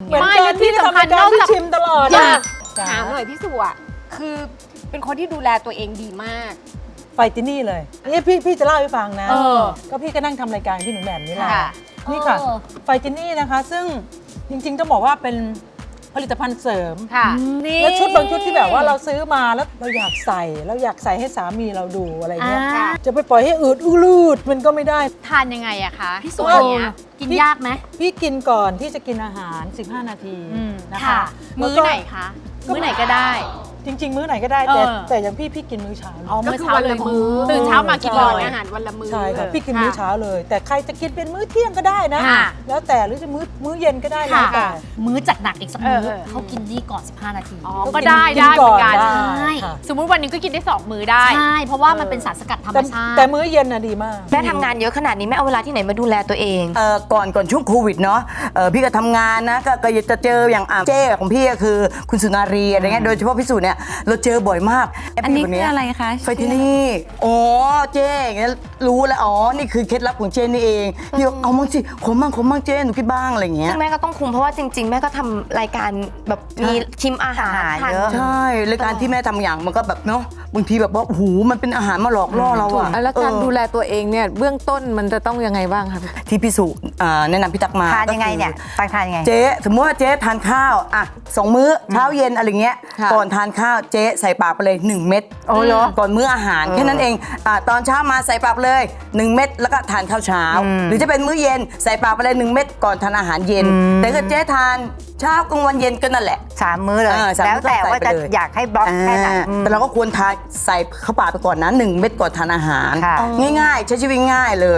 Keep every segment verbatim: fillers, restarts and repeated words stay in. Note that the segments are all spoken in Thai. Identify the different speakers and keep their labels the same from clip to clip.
Speaker 1: เหมือน
Speaker 2: ไม่
Speaker 1: กัน
Speaker 2: และที่
Speaker 1: ที่
Speaker 2: สำ
Speaker 1: ทำ
Speaker 2: คั
Speaker 1: รา
Speaker 2: ญ
Speaker 1: ยการ
Speaker 2: นอก
Speaker 1: ที่
Speaker 2: จาก
Speaker 1: ชิมตลอด
Speaker 2: อยา
Speaker 1: อะ
Speaker 2: ก ถามหน่อยพี่สุอ่ะคือเป็นคนที่ดูแลตัวเองดีมาก
Speaker 1: ไฟตินี่เลยนี่พี่พี่จะเล่าให้ฟังนะ
Speaker 2: เออ
Speaker 1: ก็พี่ก็นั่งทำรายการพี่หนูแหม่มนี่แหละ
Speaker 2: ค่ะ
Speaker 1: นี่ค่ะ
Speaker 3: เออ
Speaker 1: ไฟตินี่นะคะ ซึ่งจริงๆต้องบอกว่าเป็นผลิตภัณฑ์เสริม
Speaker 2: ค่ะนี่
Speaker 1: และชุดบางชุดที่แบบว่าเราซื้อมาแล้วเราอยากใส่เราอยากใส่ให้สามีเราดูอะไรเงี้ย
Speaker 3: อ่า
Speaker 1: จะไปปล่อยให้อืดอู้ลูดมันก็ไม่ได้
Speaker 2: ทานยังไงอะคะ
Speaker 3: พี่สุ
Speaker 2: ตัว
Speaker 3: อัน
Speaker 2: เนี้
Speaker 3: เนี้
Speaker 2: ย
Speaker 3: ยกินยากไหม
Speaker 1: พี่กินก่อนที่จะกินอาหาร สิบห้า นาที
Speaker 2: อืม
Speaker 1: นะคะ
Speaker 3: ค่ะ
Speaker 2: มื้อไหนคะ มื้อไหนก็ได้
Speaker 1: จริง ๆ มื้อไหนก็ได้แต่
Speaker 2: เออ
Speaker 1: แต่อย่างพี่พี่กินมื้อเช้านะ
Speaker 2: อ๋อมื้อเช้าเลย
Speaker 1: ก็คือวันละมื้อ
Speaker 2: ตื่นเช้ามากิน
Speaker 1: ใช่
Speaker 2: เลยอาหารวันละมื้อ
Speaker 1: ใช่ค่ะพี่กินมื้อเช้าเลย แต่ใครจะกินเป็นมื้อเที่ยงก็ได้นะ
Speaker 2: ค่ะ
Speaker 1: แล้วแต่หรือจะมื้อมื้อเย็นก็ได้แล้วแต่
Speaker 3: มื้อจัดหนักอีกสักมื้อ
Speaker 2: เออเออ
Speaker 3: เขากินนี่ก่อน สิบห้า นาที
Speaker 2: อ๋อก็ได้ได้เหมือนกัน
Speaker 1: ได้
Speaker 3: ใช่
Speaker 1: ค่ะ
Speaker 2: สมมุติวันหนึงก็กินได้สองมื้อได้
Speaker 3: ใช่ เพราะว่ามันเป็นสารสกัดธรรม
Speaker 1: แต่
Speaker 3: ชาติ
Speaker 1: แต่มื้อเย็นน่ะดีมาก
Speaker 4: แม่ทำงานเยอะขนาดนี้แม่เอาเวลาที่ไหนมาดูแลตัวเอง
Speaker 5: เอ่อก่อนก่อนช่วงโควิดเนาะเอ่อพี่ก็ทำงานนะก็ก็จะเจออย่างอ่ะเจ้ของพี่ก็คือคุณสุนารีอะไรเงี้ยโดยเฉพาะพี่สุเนี่ยเราเจอบ่อยมาก
Speaker 4: อันนี้คืออะไรคะ
Speaker 5: ไฟที่นี่อ๋อเจ้อย่างเงี้ยรู้แล้วอ๋อนี่คือเคล็ดลับของเจ้นี่เองพี่บอกเอามั่งสิขมมั่งขมมั่งเจ้หนูคิดบ้างอะไรเงี้ย
Speaker 4: ซึ่งแม่ก็ต้องคุมเพราะว่าจริง ๆ แม่ก็ทำรายการแบบมีชิมอาหารทาน
Speaker 5: ใช่รายการที่แม่ทำอย่างมันก็แบบเนาะบางทีแบบว่าโอ้โหมันเป็นอาหารมาหลอกล่อเราอะ
Speaker 6: แล้วการ
Speaker 5: เออ
Speaker 6: ดูแลตัวเองเนี่ยเบื้องต้นมันจะต้องยังไงบ้างคะ
Speaker 5: ที่พี่สุอ่าแนะนำพี่ตักมา
Speaker 4: ทานยังไงเนี่ย
Speaker 5: ก็คือ
Speaker 4: ตักทานยังไง
Speaker 5: เจ๊สมมติว่าเจ๊ทานข้าวอ่ะสองมื้อเช้าเย็นอะไรเงี้ย
Speaker 6: ค่ะ
Speaker 5: ก่อนทานข้าวเจ๊ใส่ปากไปเลยหนึ่งเม็ด
Speaker 4: โอ้เหรอ
Speaker 5: ก่อนมื้ออาหารแค่นั้นเองอ่ะตอนเช้ามาใส่ปากไปเลยหนึ่งเม็ดแล้วก็ทานข้าวเช้า หรือจะเป็นมื้อเย็นใส่ปากไปเลยหนึ่งเม็ดก่อนทานอาหารเย็น แต่ถ้าเจ๊ทานเช้ากลางวันเย็นก็นั่นแหละ
Speaker 4: สามมื้อเลย
Speaker 5: เออสามมื้
Speaker 4: แล้ว
Speaker 5: อ
Speaker 4: แต่
Speaker 5: ใส่
Speaker 4: ว่า
Speaker 5: ไป
Speaker 4: จะ
Speaker 5: เลย
Speaker 4: อยากให้บล็อกแค่ไหน
Speaker 5: อ่าแต่เราก็ควรทานใส่เข้าปากไปก่อนนะหนึ่งเม็ดก่อนทานอาหาร
Speaker 4: ค่ะ
Speaker 5: ง่ายๆใช้ชีวิตง่ายเลย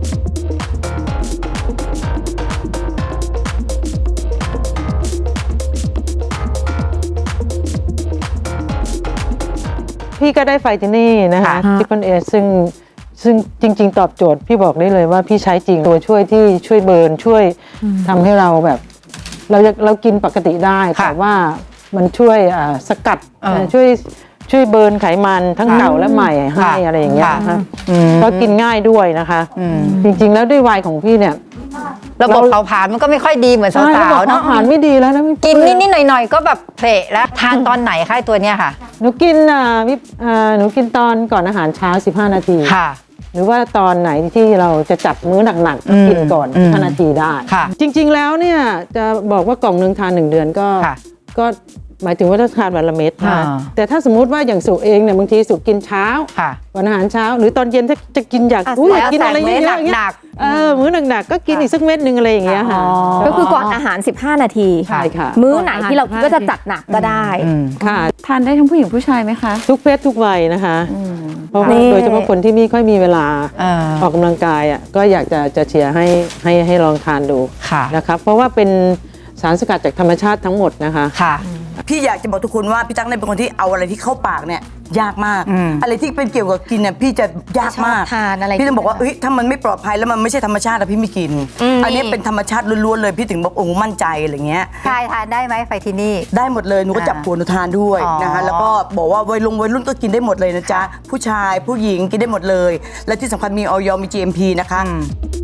Speaker 1: พี่ก็ได้ไฟที่นี่นะคะทิปเปิลเอซึ่งซึ่งจริง ๆ ตอบโจทย์พี่บอกได้เลยว่าพี่ใช้จริงตัวช่วยที่ช่วยเบิร์นช่วยทำให้เราแบบ เราเรากินปกติได้แต่ว่ามันช่วยอ่าสกัดช่วยช่วยเบิร์นไขมันทั้งเก่าและใหม่ให้อะไรอย่างเงี้ยนะคะก็กินง่ายด้วยนะคะ จริงๆแล้วด้วยวัยของพี่เนี่ย
Speaker 7: ระบบเผาผลาญมันก็ไม่ค่อยดีเหมือน
Speaker 1: ใช่
Speaker 7: สาวๆ
Speaker 1: เนาะ
Speaker 7: เนาะ
Speaker 1: อาหารไม่ดีแล้วนะ
Speaker 7: กินนิดๆหน่อยๆก็แบบเพลแล้วทานตอนไหนคะไอ้ตัวเนี้ยค่ะ
Speaker 1: หนูกินอ่าวิอ่าหนูกินตอนก่อนอาหารเช้าสิบห้า นาที
Speaker 7: ค่ะ
Speaker 1: หรือว่าตอนไหนที่เราจะจัดมื้อหนักๆก็กินก่อน
Speaker 7: อืม
Speaker 1: ห้านาทีได้
Speaker 7: ค่ะ
Speaker 1: จริงๆแล้วเนี่ยจะบอกว่ากล่องหนึ่งทานหนึ่งเดือนก็
Speaker 7: ค่ะ
Speaker 1: ก็หมายถึงว่าถ้าทานวันละเม็ดนะ
Speaker 7: อ่า
Speaker 1: แต่ถ้าสมมุติว่าอย่างสุเองเนี่ยบางทีสุกินเช้า
Speaker 7: ค่ะ
Speaker 1: ก่อนอาหารเช้า หรือตอนเย็นถ้าจะกินอยาก
Speaker 7: อ่ะ
Speaker 1: อุ้ย
Speaker 7: แล้ว
Speaker 1: อยากกินอะไรเย
Speaker 7: แต่
Speaker 1: อะๆ
Speaker 7: มื้อ
Speaker 1: อย่างเงี้ย
Speaker 7: หนัก
Speaker 1: เออมื้อหนักๆก็กินอีกสักเม็ดหนึ่งอะไรอย่างเงี้ยค่ะ
Speaker 8: ก็คือก่อนอาหาร สิบห้า นาที
Speaker 1: ใช่ค่ะ
Speaker 8: มื้อไหนที่เราคิดว่าจะจัดหนักก็ได้
Speaker 1: ค่ะ
Speaker 6: ทานได้ทั้งผู้หญิงผู้ชายไหมคะ
Speaker 1: ทุกเพศทุกวัยนะคะเพราะว่า
Speaker 8: นี่
Speaker 1: โดยเฉพาะคนที่ไม่ค่อยมีเวลา
Speaker 7: เออ
Speaker 1: ออกกำลังกายอ่ะก็อยากจะจะเชียร์ให้ให้ให้ลองทานดู
Speaker 7: ค่ะ
Speaker 1: นะครับเพราะว่าเป็นสารสกัดจากธรรมชาติทั้งหมดนะคะ
Speaker 7: ค่ะ
Speaker 5: พี่อยากจะบอกทุกคนว่าพี่ตั๊กเนี่ยเป็นคนที่เอาอะไรที่เข้าปากเนี่ยยากมาก
Speaker 7: อืม
Speaker 5: อะไรที่เป็นเกี่ยวกับกินเนี่ยพี่จะยากมาก
Speaker 4: ชอบทานอะไร
Speaker 5: พี่ต้องบอกว่าเอ้ยถ้ามันไม่ปลอดภัยแล้วมันไม่ใช่ธรรมชาติอะพี่ไม่กิน อันนี้เป็นธรรมชาติล้วนๆเลยพี่ถึงบอกโอ้โหมั่นใจอะไรเงี้ย
Speaker 4: ชายทานได้ไหมไฟที่นี่
Speaker 5: ได้หมดเลยหนูก็จับผัวหนูทานด้วย
Speaker 4: อ๋อ
Speaker 5: นะคะแล้วก็บอกว่าวัยลงวัยรุ่นก็กินได้หมดเลยนะจ๊ะผู้ชายผู้หญิงกินได้หมดเลย และที่สำคัญมีออยมี จี เอ็ม พี นะคะ
Speaker 7: อืม